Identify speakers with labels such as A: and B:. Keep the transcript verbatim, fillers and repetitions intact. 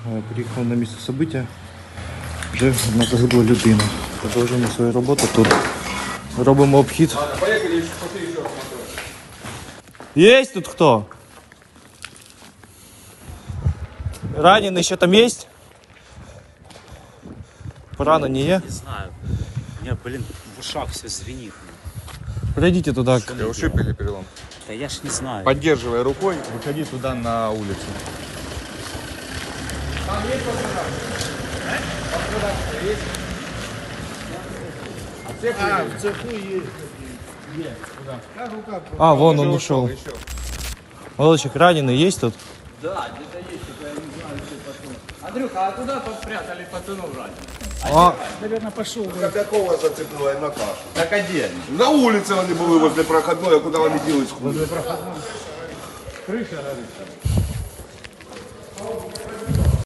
A: Приїхав на місце события. Вже на загибла людина. Продовжуємо свою роботу тут. Робимо обхід. Є тут хто? Ранений ще там є? Поранені є?
B: Не знаю. У меня, блин, в ушах все звенит.
A: Пройдите туда.
C: Ушиб или перелом?
B: Да я ж не знаю.
C: Поддерживай рукой, выходи туда на улицу.
D: А, в цеху есть.
A: А, вон он ушел. Молодчик, раненый есть тут?
E: Да, где-то есть, только я не знаю, где пацаны. Андрюха, а куда спрятали пацанов раненых?
D: А, наверное, пошел.
C: Какого зацепила на кашу?
E: Так один.
C: На улице они были возле проходной, а куда они делают? Возле проходной.
E: Крыша горит.